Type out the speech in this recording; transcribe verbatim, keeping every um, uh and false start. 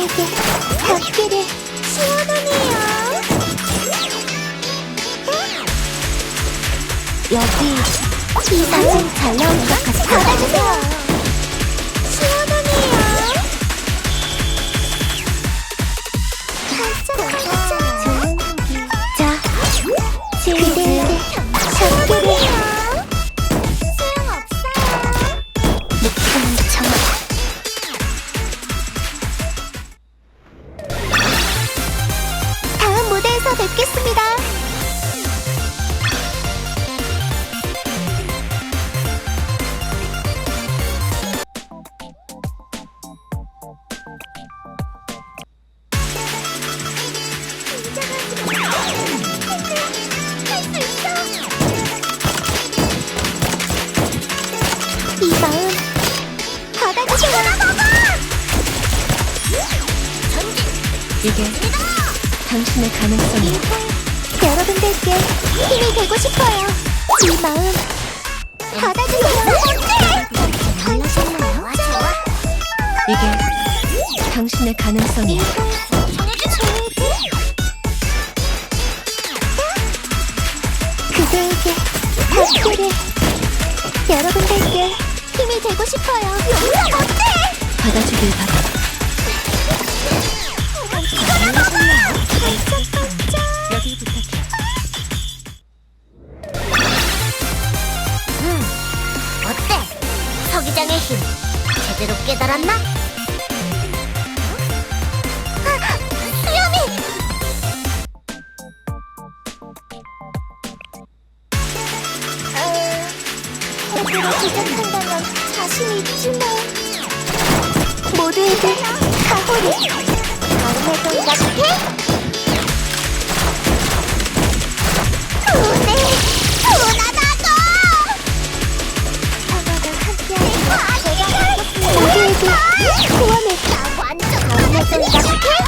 그대에게 닿기를. 시원하네요. 여기 이 사진 잘 나올 것 같아. 받아주세요. 시원하네요. 반짝반짝 좋은 공기. 자, 그대에게 닿기를. 소용없어요. 느끼는 정. 다음 무대에서 뵙겠습니다. 이 마음 받아주세요. 이게 당신의 가능성이. 여러분들께 힘이 되고 싶어요. 이 마음 받아주세요. 반짝반짝. 이게 당신의 가능성이. 그대에게 닿기를. 여러분들께 힘이 되고 싶어요. 용서 못해. 받아주길 바라. 반짝반짝. 여기 부탁해. 음, 어때? 서기장의 힘 제대로 깨달았나? 아, 수염이! 어, 제대로 제작한다면 자신 있지만 모두에게 가호를. 다음에 또 이렇게? 오네! 오나다도! 사과가 함께하는 제가 모두에게 소원을. 나 완전 다음에 또 이렇게?